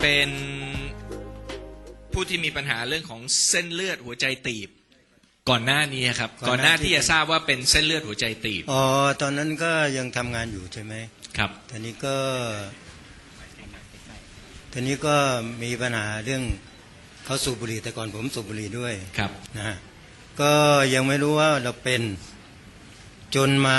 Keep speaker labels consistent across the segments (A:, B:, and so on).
A: เป็นผู้ที่มีปัญหาเรื่องของเส้นเลือดหัวใจตีบก่อนหน้านี้ครับก่อนหน้าที่จะทราบว่าเป็นเส้นเลือดหัวใจตีบ
B: อ๋อตอนนั้นก็ยังทำงานอยู่ใช่ไหม
A: ครับ
B: ทีนี้ก็มีปัญหาเรื่องเขาสูบบุหรี่แต่ก่อนผมสูบบุหรี่ด้วย
A: ครับ
B: นะฮะก็ยังไม่รู้ว่าเราเป็นจนมา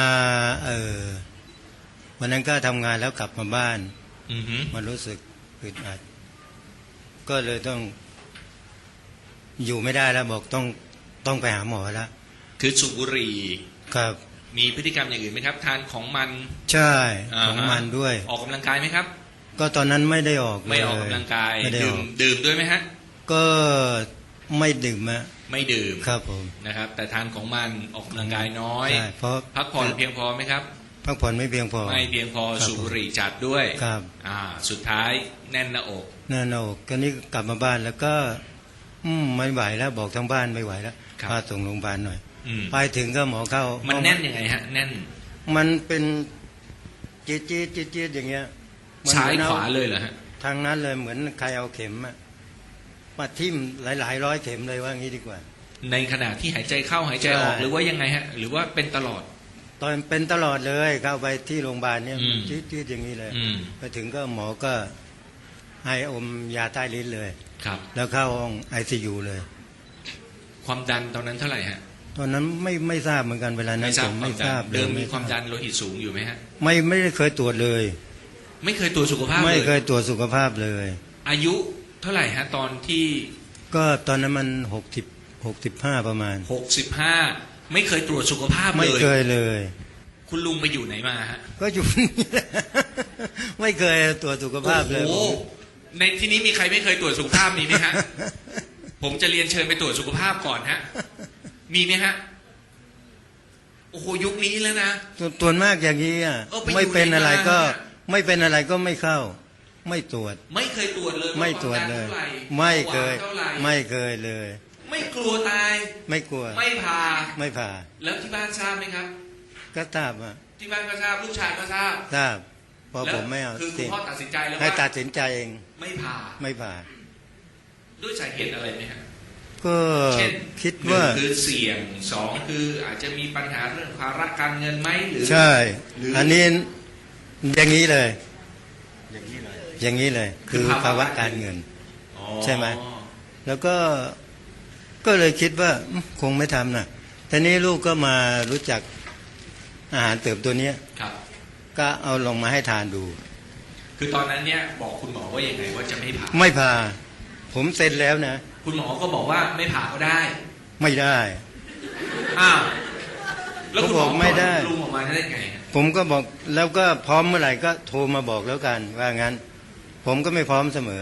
B: วันนั้นก็ทำงานแล้วกลับมาบ้านมันรู้สึกอึดอัดก็เลยต้องอยู่ไม่ได้แล้วบอกต้องไปหาหมอแล้ว
A: คือสูบบุหรี่
B: ครับ
A: มีพฤติกรรมอย่างอื่นไหมครับทานของมัน
B: ใช่ของมันด้วย
A: ออกกำลังกายไหมครับ
B: ก็ตอนนั้นไม่ได้ออก
A: ไม่ออกกำลังกายดื่มด้วยไหมฮะ
B: ก็ไม่ดื่มอะ
A: ไม่ดื่ม
B: ครับผม
A: นะครับแต่ทานของมันออกกำลังกายน้อย
B: เพราะ
A: พักผ่อนเพียงพอไหมครับ
B: พักผ่อนไม่เพียงพอ
A: ไม่เพียงพอสูบบุหรี่จัดด้วย
B: ครับ
A: สุดท้ายแน่นหน้าอก
B: ก็นี่กลับมาบ้านแล้วก็ไม่ไหวแล้วบอกทั้งบ้านไม่ไหวแล้วพาส่งโรงพยาบาลหน่อยไปถึงก็หมอเข้า
A: มันแน่นยังไงฮะแน่น
B: มันเป็นจี๊ดอย่างเงี้ย
A: ซ้ายขวาเลยเหรอฮะ
B: ทางนั้นเลยเหมือนใครเอาเข็มมาทิ่มหลายร้อยเข็มเลยว่างี้ดีกว่า
A: ในขณะที่หายใจเข้าหายใจออกหรือว่ายังไงฮะหรือว่าเป็นตลอด
B: ตอนเป็นตลอดเลยเข้าไปที่โรงพยาบาลเนี่ยจี๊ดอย่างนี้เลยไปถึงก็หมอก็ให้อมยาใต้ลิ้นเลย
A: ครับ
B: แล้วเข้าห้อง ICU เลย
A: ความดันตอนนั้นเท่าไหร่ฮะ
B: ตอนนั้นไม่ทราบเหมือนกันเวลานั้นผมไม่ทราบ
A: เดิมมีความดันโลหิตสูงอยู่ไหมฮะ
B: ไม่ได้เคยตรวจเลย
A: ไม่เคยตรวจสุขภาพเลย
B: ไม่เคยตรวจสุขภาพเลย
A: อายุเท่าไหร่ฮะตอนที่
B: ก็ตอนนั้นมัน65ประมาณ
A: 65ไม่เคยตรวจสุขภาพเลย
B: ไม่เคยเลย
A: คุณลุงไปอยู่ไหนมาฮะ
B: ก็อยู่ไม่เคยตรวจสุขภาพเลย
A: ในที่นี้มีใครไม่เคยตรวจสุขภาพมีไหมฮะผมจะเรียนเชิญไปตรวจสุขภาพก่อนฮะมีไหมฮะโอ้โหยุคนี้แล้วนะ
B: ตรวจมากอย่างนี้ไม่เป็นอะไรก็ไม่เป็นอะไรก็ไม่เข้าไม่ตรวจ
A: ไม่เคยตรวจเลย
B: ไม่ตรวจเลยไม่เคยเลย
A: ไม่กลัวตาย
B: ไม่กลัว
A: ไม่
B: ผ่า
A: แล้วที่บ้านทราบไหมครับ
B: ก็ทราบ
A: ที่บ้านก็ทราบลูกชายก็ทราบ
B: เพราะผมไม่เอา
A: คือคุณพ่อตัดสินใจแล้วว่า
B: ให้ตัดสินใจเอง
A: ไม่ผ่าด้วยสาเหตุอะไรไหมครับ
B: ก็คิดว่า
A: คือเสี่ยง2คืออาจจะมีปัญหาเรื่องภาระการเงินไหมหรือ
B: ใช่อันนี้อย่างนี้เลยคือภาวะการเงินใช่ไหมแล้วก็เลยคิดว่าคงไม่ทำนะทีนี้ลูกก็มารู้จักอาหารเติมตัวนี้ก็เอาลงมาให้ทานดู
A: คือตอนนั้นเนี่ยบอกคุณหมอว่ายังไงว่าจะ
B: ไม่ผ่าผมเซ็นแล้วนะ
A: คุณหมอก็บอกว่าไม่ผ่าก็ได้
B: ไม่ได้
A: แล้วคุณหมอไม่ได้ลุงออกมาได้ไง
B: ผมก็บอกแล้วก็พร้อมเมื่อไหร่ก็โทรมาบอกแล้วกันว่างั้นผมก็ไม่พร้อมเสมอ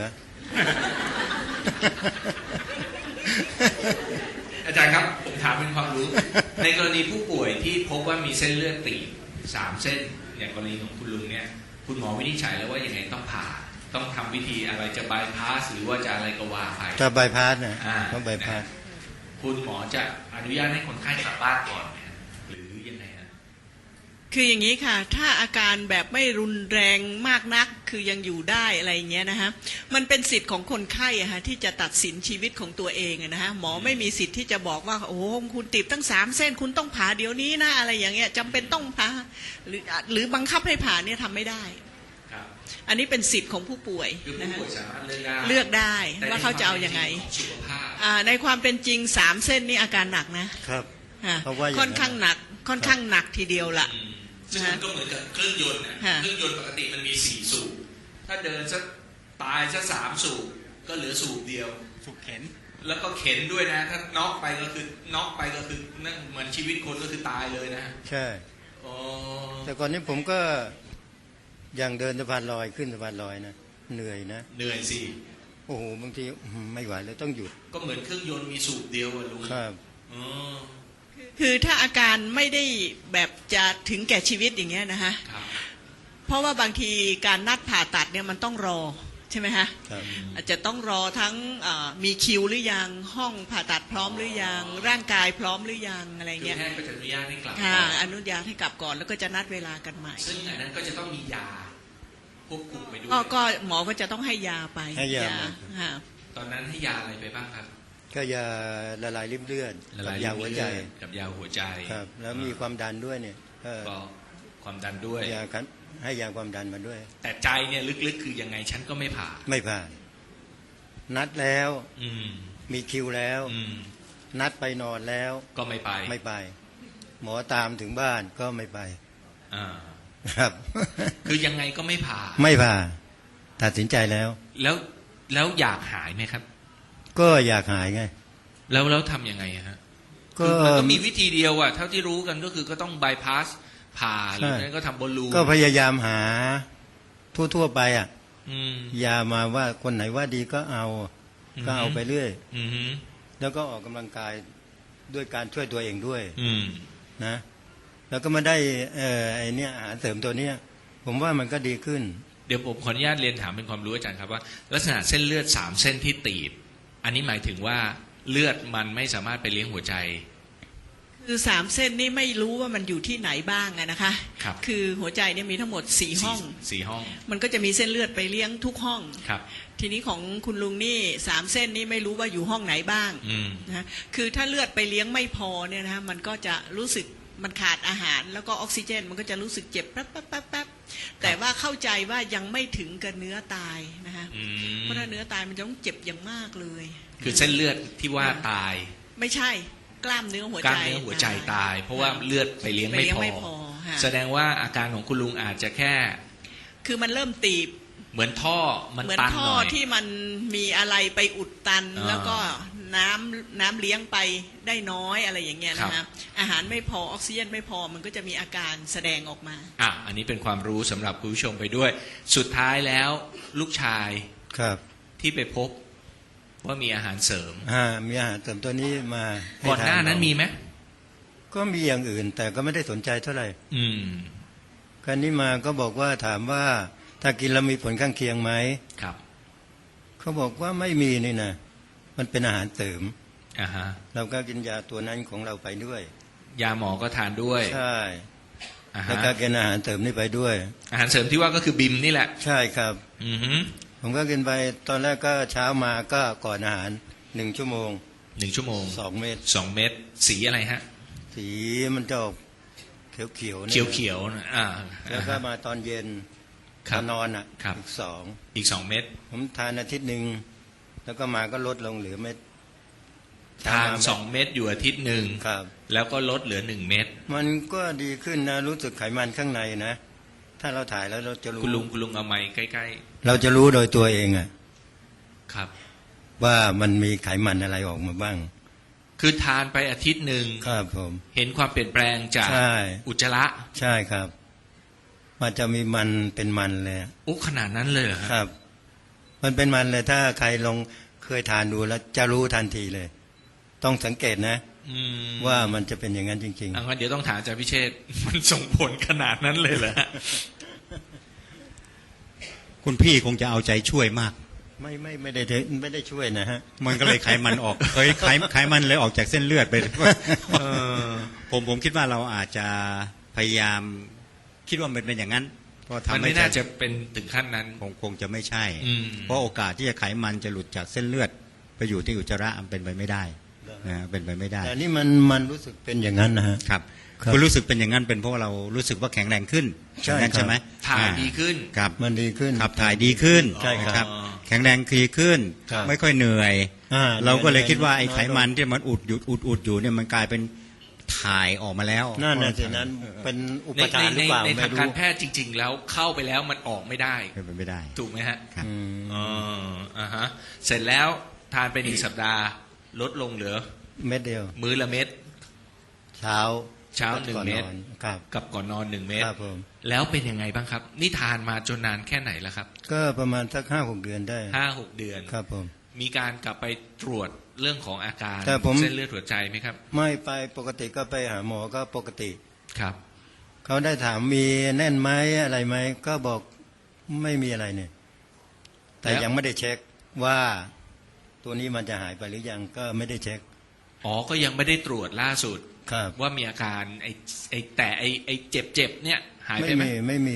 A: อาจารย์ครับผมถามเป็นความรู้ในกรณีผู้ป่วยที่พบว่ามีเส้นเลือดตีบ3เส้นอย่างกรณีของคุณลุงเนี่ยคุณหมอวินิจฉัยแล้วว่ายังไงต้องผ่าต้องทำวิธีอะไรจะบายพาสหรือว่าจะอะไรก็ว่าไป
B: จะบายพาสนะต้องบายพาส
A: คุณหมอจะอนุญาตให้คนไข้กลับบ้านก่อนหรือยังไงฮะ
C: คืออย่างนี้ค่ะถ้าอาการแบบไม่รุนแรงมากนักคือยังอยู่ได้อะไรอย่างเงี้ยนะฮะมันเป็นสิทธิ์ของคนไข้อะฮะที่จะตัดสินชีวิตของตัวเองนะฮะหมอไม่มีสิทธิ์ที่จะบอกว่าโอ้คุณตีบตั้ง3เส้นคุณต้องผ่าเดี๋ยวนี้นะอะไรอย่างเงี้ยจำเป็นต้องผ่าหรือบังคับให้ผ่าเนี่ยทำไม่ได้อันนี้เป็นสิทธิ์ของผู้ป่วย
A: นะฮะ
C: เลือกได้ว่าเขาจะเอายังไงในความเป็นจริง3เส้นนี่อาการหนักนะครับค่อนข้างหนักทีเดียวล่ะ
A: ซึ่งมันก็เหมือนกับเครื่องยนต์เครื่องยนต์ปกติมันมี4สูบถ้าเดินสักตายสัก3สูบก็เหลือสูบเดียว
B: สูบเข็น
A: แล้วก็เข็นด้วยนะถ้าน็อกไปก็คือนั่นเหมือนชีวิตคนก็คือตายเลยนะ
B: ใช่แต่ก่อนนี้ผมก็อย่างเดินสะพานลอยขึ้นสะพานลอยนะเหนื่อย
A: สิ
B: โอ้โหบางทีไม่ไหวแล้วต้องหยุด
A: ก็เหมือนเครื่องยนต์มีสูบเดียวลุง
B: ครับ
C: คือถ้าอาการไม่ได้แบบจะถึงแก่ชีวิตอย่างเงี้ยนะฮะเพราะว่าบางทีการนัดผ่าตัดเนี่ยมันต้องรอใช่ไหมฮะอาจจะต้องรอทั้งมีคิวหรือยังห้องผ่าตัดพร้อมหรือยังร่างกายพร้อมหรือยังอะไรเงี้ย
A: แพทย์ก็จะอนุญาตให้กลับ
C: อนุญาตให้กลับก่อนแล้วก็จะนัดเวลากันใหม่
A: ซึ่งอันนั้นก็จะต้องมียาควบคุมไปด้วย
C: ก็หมอก็จะต้องให้ยาไป
B: ให้ยา
C: ค่ะ
A: ตอนนั้นให้ยาอะไรไปบ้างครับ
B: ก็ยาละลายริ่มเลือดกับยาหัวใจ
A: กับยาหัวใจ
B: ครับ แล้วมีความดันด้วยเนี่ยก็
A: ก็ความดันด้วย
B: ยากันให้ยาความดันมาด้วย
A: แต่ใจเนี่ยลึกๆคือยังไงฉันก็ไม่ผ่า
B: ไม่ผ่าน นัดแล้ว
A: อืม
B: มีคิวแล้ว
A: อืม
B: นัดไปนอนแล้ว
A: ก็ไม่ไป
B: ไม่ไป หมอตามถึงบ้านก็ไม่ไป
A: อ่า
B: ครับ
A: คือยังไงก็ไม่ผ่า
B: ไม่ผ่า ตัดสินใจแล้ว
A: แล้วอยากหายไหมครับ
B: ก็อยากหายไง
A: แล้วทำยังไงอะฮะ
B: ก็
A: คือมันก็มีวิธีเดียวอะเท่าที่รู้กันก็คือก็ต้องบายพาสผ่าหรือไม่งั้นก็ทำบอลลูน
B: ก็พยายามหาทั่วๆไปอ่ะ
A: อืม
B: ยามาว่าคนไหนว่าดีก็เอา ก็เอาไปเรื่อย
A: อืมฮึ
B: แล้วก็ออกกำลังกายด้วยการช่วยตัวเองด้วย
A: อืม
B: นะ แล้วก็มาได้ไอเนี้ยอาหารเสริมตัวเนี้ย ผมว่ามันก็ดีขึ้น
A: เดี๋ยวผมขออนุญาตเรียนถามเป็นความรู้อาจารย์ครับว่า ลักษณะเส้นเลือด3เส้นที่ตีบอันนี้หมายถึงว่าเลือดมันไม่สามารถไปเลี้ยงหัวใจ
C: คือ3 เส้นนี่ไม่รู้ว่ามันอยู่ที่ไหนบ้างอะนะคะ
A: ครับ
C: คือหัวใจเนี่ยมีทั้งหมด4ห้อง
A: สี่ห้อง
C: มันก็จะมีเส้นเลือดไปเลี้ยงทุกห้อง
A: ครับ
C: ทีนี้ของคุณลุงนี่3 เส้นนี่ไม่รู้ว่าอยู่ห้องไหนบ้าง
A: อืม
C: นะคือถ้าเลือดไปเลี้ยงไม่พอเนี่ยนะมันก็จะรู้สึกมันขาดอาหาร แล้วก็ออกซิเจน มันก็จะรู้สึกเจ็บแป๊บแป๊บแป๊บแป๊บแต่ว่าเข้าใจว่ายังไม่ถึงกับเนื้อตายนะคะ
A: อืม
C: เพราะถ้าเนื้อตายมันจะต้องเจ็บอย่างมากเลย
A: คือเส้นเลือดที่ว่าตาย
C: ไม่ใช่กล้ามเนื้อหัว
A: กล้า
C: ใจ
A: มเนื้อหัวใจตาย เพราะว่าเลือดไปเลี้ยง
C: ไป
A: ไม่
C: เลี้ยง
A: พอ
C: ไม่พอค่ะ
A: แสดงว่าอาการของคุณลุงอาจจะแค่
C: คือมันเริ่มตีบ
A: เหมือนท่อมัน
C: เหมือน
A: ตัน
C: ท่
A: ห
C: อ
A: น่อย
C: ที่มันมีอะไรไปอุดตัน
A: อ่า
C: แล้วก็น้ำเลี้ยงไปได้น้อยอะไรอย่างเงี้ยนะ
A: ครั
C: คะ
A: บ
C: อาหารไม่พอออกซิเจนไม่พอมันก็จะมีอาการแสดงออกมา
A: อ่ะอันนี้เป็นความรู้สำหรับคุณผู้ชมไปด้วย สุดท้ายแล้วลูกชาย
B: ครับ
A: ที่ไปพบว่ามีอาหารเสริม
B: มีอาหารเสริมตัวนี้มาให้
A: ก่อนหน้านั้นมีไหม
B: ก็มีอย่างอื่น แต่ก็ไม่ได้สนใจเท่าไหร่
A: อืม
B: ครั้นี้มาก็บอกว่าถามว่าถ้ากินแล้วมีผลข้างเคียงไหม
A: ครับ
B: เขาบอกว่าไม่มีนี่นะมันเป็นอาหารเสริม
A: อ่าฮะ
B: เราก็กินยาตัวนั้นของเราไปด้วย
A: ยาหมอก็ทานด้วย
B: ใช่
A: อ่า
B: แล้ว
A: ฮะ
B: ก็กินอาหารเสริมนี่ไปด้วย
A: อาหารเสริมที่ว่าก็คือบิมนี่แหละ
B: ใช่ครับ
A: อือฮึ
B: ผมก็กินไปตอนแรกก็เช้ามาก็ก่อนอาหาร1 ชั่วโมง
A: 1 ชั่วโมง
B: 2 เม็ด
A: 2 เม็ดสีอะไรฮะ
B: สีมันจะออกเขียวๆนี่
A: เขียวๆนะอ่า
B: แล้วก็มาตอนเย็น
A: ค
B: ต
A: รั
B: อบ นนอนอ่ะ
A: ครับ
B: อีก
A: อีก 2 เม็ด
B: 2ผมทานอาทิตย์หนึ่งแล้วก็มาก็ลดลงเหลือเม็ด
A: ทาน
B: เช้ม
A: 2 เม็ดอยู่อาทิตย์หนึ่ง
B: ครับ
A: แล้วก็ลดเหลือ 1 เม็ด
B: มันก็ดีขึ้นนะรู้สึกไขมันข้างในนะ ถ้าเราถ่ายแล้วเราจะรู้
A: คุณลุงเอาไม้ใกล้
B: เราจะรู้โดยตัวเองอะ
A: ๆครับ
B: ว่ามันมีไขมันอะไรออกมาบ้าง
A: คือทานไปอาทิตย์หนึ่ง
B: ครับผม
A: เห็นความเปลี่ยนแปลงจาก
B: ใช่
A: อุจจาระ
B: ใช่ครับ มันจะมีมันเป็นมันเลย
A: อุ๊ขนาดนั้นเลยเหรอฮะ
B: ครับ มันเป็นมันเลยถ้าใครลองเคยทานดูแล้วจะรู้ทันทีเลย ต้องสังเกตนะ
A: อืม
B: ว่ามันจะเป็นอย่างนั้นจริง
A: อ่ะงั้นเดี๋ยวต้องถามอาจารย์พิเชษฐ์ มันส่งผลขนาดนั้นเลยเหรอฮะ
D: คุณพี่คงจะเอาใจช่วยมาก
B: ๆ ไม่ได้ช่วยนะฮะ
D: มันก็เลยไขมันออก ไขมันเลยออกจากเส้นเลือดไป
A: เออ
D: ผมคิดว่าเราอาจจะพยายามคิดว่ามันเป็นอย่างนั้นเพราะ
A: มัน
D: ทำให้
A: ไม่น่าจะเป็นถึงขั้นนั้น
D: คงจะไม่ใช่
A: อืม
D: เพราะโอกาสที่จะไขมันจะหลุดจากเส้นเลือด ไปอยู่ที่อุจจาระมันเป็นไปไม่ได้นะเป็นไปไม่ได้
B: แต่นี่มันรู้สึกเป็นอย่างนั้นนะฮะ
D: ครับ
B: ครับ
D: คุณรู้สึกเป็นอย่างนั้นเป็นเพราะว่าเรารู้สึกว่าแข็งแรงขึ้น
B: ใช่
D: อย่างนั้น
B: ครับ
D: ใช่ไหม
A: ถ่ายดีขึ้น
D: ครับ
B: มันดีขึ้น
D: ขับถ่ายดีขึ้น
B: ใช่ครับ
D: นะครับ แข็งแรงดีขึ้น
B: ครับ
D: ไม่ค่อยเหนื่อย
B: อ่า
D: เราก็เลยคิดว่าไอ้
B: น้อยลง
D: ไขมันที่มันอุดอยู่เนี่ยมันกลายเป็นถ่ายออกมาแล้ว
B: นั่นน่ะสินั้นเป็นอุป
A: ใน
B: ทานหรือเปล่า
A: ใน
B: ไม่
A: ทาง
B: รู้
A: การแพทย์จริง ๆ แล้วเข้าไปแล้วมันออกไม่ได้
D: เป็นไปไม่ได้
A: ถูกไหมฮะ
D: ครับ
B: อืม
A: อ๋ออ่าฮะ เสร็จแล้วทานไป1 สัปดาห์ ลดลงเหลือ
B: เม็ดเดียว
A: มื้อละเม็ด
B: เช้า
A: เช้าหนึ่ง
B: ก่อ
A: เม็ด
B: นครับ
A: กับก่อนนอน1 เม็ด
B: ครับผม
A: แล้วเป็นยังไงบ้างครับ นี่ทานมาจนนานแค่ไหนแล้วครับ
B: ก็ประมาณสัก5-6 เดือนได้
A: 5-6 เดือน
B: ครับผม
A: มีการกลับไปตรวจเรื่องของอาการ
B: แต่ผม
A: เส้นเลือดหัวใจไหมครับ
B: ไม่ไปปกติก็ไปหาหมอก็ปกติ
A: ครับ
B: เขาได้ถามมีแน่นไหมอะไรไหมก็บอกไม่มีอะไรเนี่ย แต่
A: แล้ว
B: ยังไม่ได้เช็คว่าตัวนี้มันจะหายไปหรือยังก็ไม่ได้เช็ค
A: อ๋อ ก็ยังไม่ได้ตรวจล่าสุด
B: ครับ
A: ว่ามีอาการไอ้เจ็บเนี่ยหายไป
B: ไม่
A: ไหม
B: มีไม่มี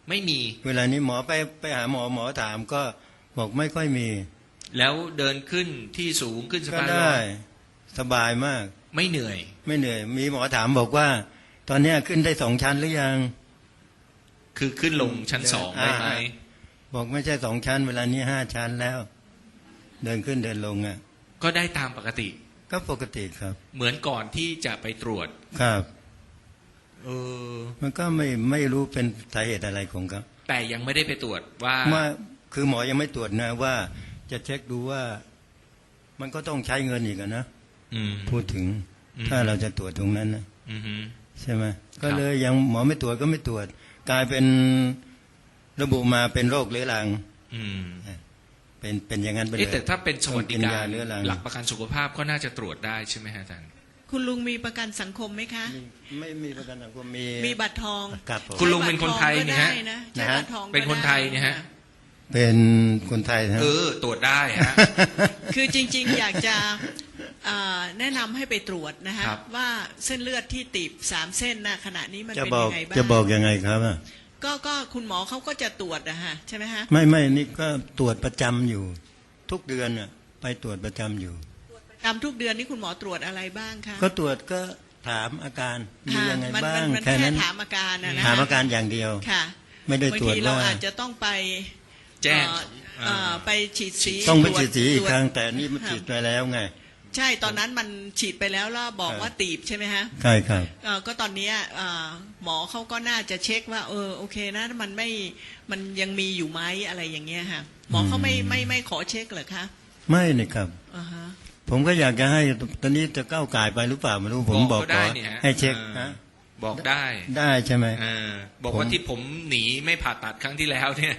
A: ไม่มี
B: เวลานี้หมอไปหาหมอถามก็บอกไม่ค่อยมี
A: แล้วเดินขึ้นที่สูงขึ้นสะ
B: ก็
A: พานล
B: ได้
A: อย
B: สบายมาก
A: ไม่เหนื่อย
B: ไม่เหนื่อย มีหมอถามบอกว่า ตอนเนี้ยขึ้นได้2 ชั้นหรือยัง
A: คือขึ้นลงชั้นสองได้ไหม
B: บอกไม่ใช่2 ชั้น เวลานี้5 ชั้นแล้ว เดินขึ้นเดินลงอ่ะ
A: ก็ได้ตามปกติ
B: ก็ปกติครับ
A: เหมือนก่อนที่จะไปตรวจ
B: ครับ
A: เออ
B: มันก็ไม่รู้เป็นสาเหตุอะไรของเขา
A: แต่ยังไม่ได้ไปตรวจว่า
B: ว่าคือหมอยังไม่ตรวจนะว่าจะเช็คดูว่า มันก็ต้องใช้เงินอีกอะนะ
A: อืม
B: พูดถึง
A: อืม
B: ถ้าเราจะตรวจตรงนั้นนะ
A: อือฮึ
B: ใช่ไหมก็เลยยังหมอไม่ตรวจก็ไม่ตรวจ กลายเป็นระบุมาเป็นโรคเรื้อรัง
A: อืม
B: เป็นอย่างนั้นไปเล
A: เอ๊ะ
B: ย
A: แต่ถ้าเป็นสวัสดิ
B: ต้อง
A: การ
B: ยาเรื้อรัง
A: หลักประกันสุขภาพก็น่าจะตรวจได้ใช่ไหมฮะอาจารย์
C: คุณลุงมีประกันสังคมไหมคะ
B: ไม่มีประกันสังคมมี
C: มีบัตรทอง
B: ครับผม
A: คุณลุงเป็นคนไทยนี่ฮะ
C: ใช้บัตรทองก็ได้นะใช้บัตรทองก็ได้
A: เป็นคนไทยนี่ฮะ
B: เป็นคนไทยนะ
A: ตรวจได้ฮะ
C: คือจริงๆ อยากจะแนะนำให้ไปตรวจนะฮะ
A: ครับ
C: ว่าเส้นเลือดที่ตีบ3 เส้นนะขณะนี้มัน
B: จะ
C: เป็น
B: บอก
C: ยังไงบ้าง
B: จะบอกยังไงครับอะ
C: ก็คุณหมอเขาก็จะตรวจนะฮะใช่ไหมฮะ
B: ไม่นี่ก็ตรวจประจำอยู่ ทุกเดือนน่ะไปตรวจประจำอยู่
C: ตามทุกเดือนนี่คุณหมอตรวจอะไรบ้างคะ
B: ก็ตรวจก็ถามอาการมียังไง
C: มัน
B: บ้าง
C: มัน
B: แค่
C: แค่
B: นั้น
C: ถามอาการนะ
B: ถามอาการอย่างเดียว
C: ค่ะ
B: ไม่ได้
C: บาง
B: ตรวจ
C: ทีเรา
B: ว่า
C: อาจจะต้องไป
A: แจ้ง
C: ไปฉีดสี
B: ต้องไป
C: ตรวจ
B: ฉีดสีอีก
C: ตวจ
B: ครั้งแต่นี่มันฉีดไปแล้วไง
C: ใช่ตอนนั้นมันฉีดไปแล้วแล้วบอก
B: ครับ
C: ว่าตีบใช่ไหมฮะ
B: ใช่ครับ
C: ก็ตอนเนี้ยหมอเขาก็น่าจะเช็คว่าโอเคนะมันยังมีอยู่ไหมอะไรอย่างเงี้ยค่ะหมอเขาไม่ขอเช็คเหรอคะ
B: ไม่นี่ครับ
C: อ่าฮะ
B: ผมก็อยากจะให้ตอนนี้จะก้าวไก่ายไปหรือเปล่าไม่รู้ผมบอก
A: ก็
B: ข
A: ได้
B: อ
A: นี่ฮะ
B: ให้เช็ค
A: ออ
B: ฮะ
A: บอกได้
B: ได้ใช่ไหม
A: บอกว่า
B: ผม
A: ที่ผมหนีไม่ผ่าตัดครั้งที่แล้วเนี่ย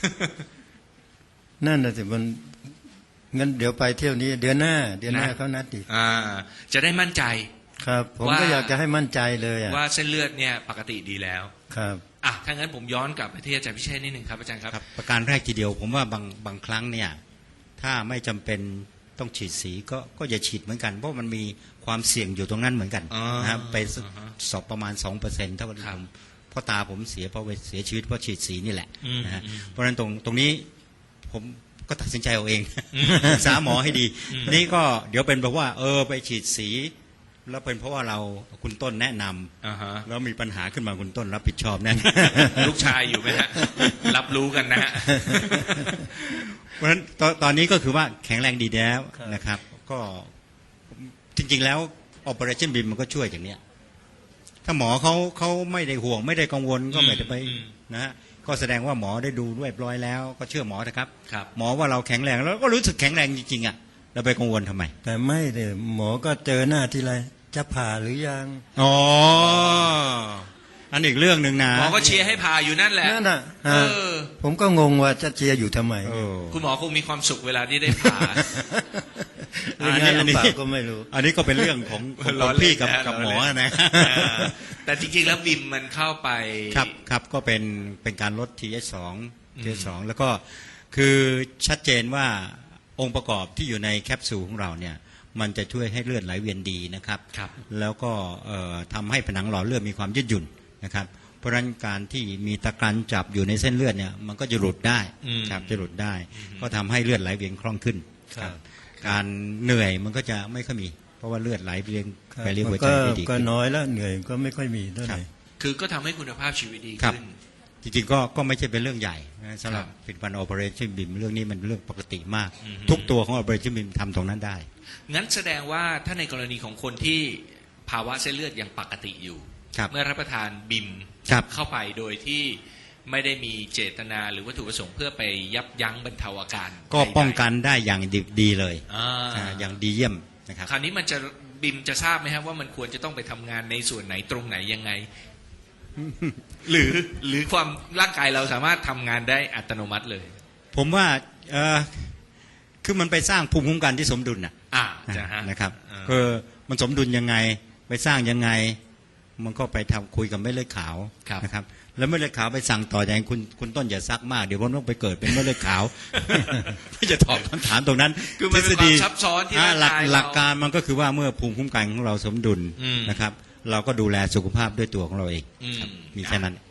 B: นั่นน่ะสิมันงั้นเดี๋ยวไปเที่ยวนี้เดือนหน้าเขานัดอีก
A: จะได้มั่นใจ
B: ครับ ผม
A: ว่า
B: ก็อยากจะให้มั่นใจเลยอ่ะ
A: ว่าเส้นเลือดเนี่ยปกติดีแล้ว
B: ครับ
A: ถ้างั้นผมย้อนกลับไปที่อาจารย์พิเชษฐ์นิดหนึ่งครับอาจารย์ครับ
D: ครับประการแรกทีเดียวผมว่าบางครั้งเนี่ยถ้าไม่จำเป็นต้องฉีดสีก็อย่าฉีดเหมือนกันเพราะมันมีความเสี่ยงอยู่ตรงนั้นเหมือนกัน
A: อ๋อ
D: นะครับไป
A: อ่าฮะ
D: สอบประมาณ 2%เท่ากับที่
A: ครับ
D: ผมพ่อตาผมเสียเพราะเสียชีวิตเพราะฉีดสีนี่แหละ
A: อืม
D: นะฮะ
A: อืม
D: เพราะฉะนั้นตรงนี้ผมก็ตัดสินใจเอาเอง
A: อืม
D: ปรึกษาหมอให้ดี
A: อืม
D: นี่ก็เดี๋ยวเป็นเพราะว่าไปฉีดสี แล้วเป็นเพราะว่าเราคุณต้นแนะนำ
A: อ่าฮะ
D: แล้วมีปัญหาขึ้นมาคุณต้นรับผิดชอบแน่
A: ลูกชายอยู่ไหมฮะ รับรู้กันนะฮะ
D: เพราะฉะนั้นตอนนี้ก็คือว่าแข็งแรงดีแล้ว
B: ครับ
D: นะครับ ก็จริงๆแล้ว Operation BIM มันก็ช่วยอย่างเนี้ยถ้าหมอเขาไม่ได้ห่วงไม่ได้กังวลก็ไม่ได้ไป
A: อืม
D: นะฮะก็แสดงว่าหมอได้ดูเรียบร้อยแล้ว ก็เชื่อหมอนะครับ
A: ครับ
D: หมอว่าเราแข็งแรงแล้วก็รู้สึกแข็งแรงจริงๆอ่ะเราไปกังวลทำไม
B: แต่ไม่เลยหมอก็เจอหน้าทีไรจะผ่าหรือยัง
D: อ๋ออันอีกเรื่องหนึ่งนะ
A: หมอก็เชียร์ให้ผ่าอยู่นั่นแหละ
B: นั่นน่ะ
A: เออ
B: ผมก็งงว่าจะเชียร์อยู่ทำไม
D: เออ
A: คุณหมอคงมีความสุขเวลาที่ได้ผ่า
B: หรืองานลำบากก็ไม่รู้
D: อันนี้ก็เป็นเรื่องของ
A: ล้อเล่น
D: พี่กับ
A: นะ
D: กับหมอ
A: ล้อเล่น
D: นะ
A: แต่จริงๆแล้วบิมมันเข้าไป
D: ครับก็เป็นการลด TH2 TH2 แล้วก็คือชัดเจนว่าองค์ประกอบที่อยู่ในแคปซูลของเราเนี่ยมันจะช่วยให้เลือดไหลเวียนดีนะครับ
A: ครับ
D: แล้วก็ทำให้ผนังหล่อเลือดมีความยืดหยุ่นนะครับเพราะฉะนั้นการที่มีตะกรันจับอยู่ในเส้นเลือดเนี่ยมันก็จะหลุดได้
A: อืม
D: ครับจะหลุดได้ ก็ทำให้เลือดไหลเวียนคล่องขึ้น
B: ครับ
D: การเหนื่อยมันก็จะไม่ค่อยมี เพราะว่าเลือดไหลเวียนไปเลี้ยงหัวใจ
B: ก็
D: ได้ดี
B: ก็
D: ขึ้น
B: น้อยแล้วเหนื่อยก็ไม่ค่อยมีเท่าไหร่
A: คือก็ทำให้คุณภาพชีวิตดี
D: ครับ
A: ขึ้น
D: จริงๆก็ไม่ใช่เป็นเรื่องใหญ่นะสำหรับผลิตภัณฑ์ Operation BIM เรื่องนี้มันเรื่องปกติมาก
A: อืม
D: ทุกตัวของ Operation BIM ทำตรงนั้นได้
A: งั้นแสดงว่าถ้าในกรณีของคนที่ภาวะเส้นเลือดยังปกติอยู่
D: ครับ
A: เมื่อรับประทานบิม
D: ครับ
A: เข้าไปโดยที่ไม่ได้มีเจตนาหรือวัตถุประสงค์เพื่อไปยับยั้งบรรเทาอาการ
D: ก็
A: ใดๆ
D: ป้องกันได้อย่างดีเลย
A: อ่า
D: อย่างดีเยี่ยมนะครับ
A: คราวนี้มันจะบิมจะทราบไหมครับว่ามันควรจะต้องไปทำงานในส่วนไหนตรงไหนยังไง หรือความร่างกายเราสามารถทำงานได้อัตโนมัติเลย
D: ผมว่าคือมันไปสร้างภูมิคุ้มกันที่สมดุลน่ะ
A: จะฮะ
D: นะครับ
A: อ่า
D: คือมันสมดุลยังไงไปสร้างยังไง มันก็ไปทำคุยกับเม็ดเลือดขาว
A: ครับ
D: นะครับ แล้วเม็ดเลือดขาวไปสั่งต่ออย่างคุณต้นอย่าซักมากเดี๋ยวผมต้องไปเกิดเป็นเม็ดเลือดขาว ไม่จะตอบคำถามตรงนั้น
A: คือมันเป็นความซับซ้อนที่ร่างกาย
D: หลัก
A: เรา
D: การมันก็คือว่าเมื่อภูมิคุ้มกันของเราสมดุล
A: อืม
D: นะครับ เราก็ดูแลสุขภาพด้วยตัวของเราเอง
A: อืม
D: ครับมีแค่นั้น